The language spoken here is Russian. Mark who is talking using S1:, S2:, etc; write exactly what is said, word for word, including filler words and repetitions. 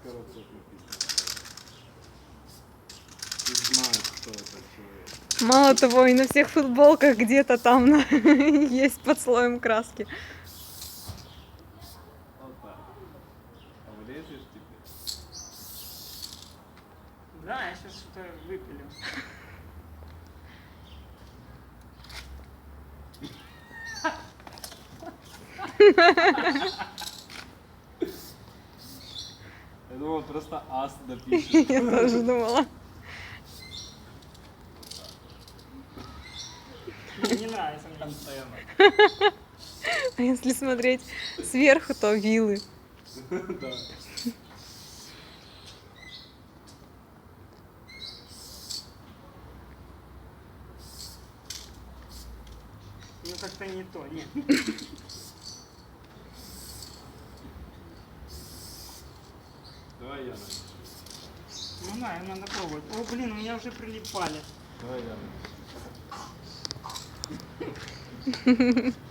S1: коробках написано. Ты знаешь, кто этот человек.
S2: Мало того, и на всех футболках где-то там на- есть под слоем краски.
S1: Опа. А влезешь теперь?
S3: Да, я сейчас что-то выпилю.
S1: Я думал, просто ас допишет.
S2: Я тоже думала.
S3: Мне не нравится мне.
S1: Антенна.
S2: А если смотреть сверху, то вилы.
S1: Да.
S3: Ну как-то не то, нет.
S1: Давай я начну.
S3: Ну да, им надо пробовать. О, блин, у меня уже прилипали.
S1: Давай я начну.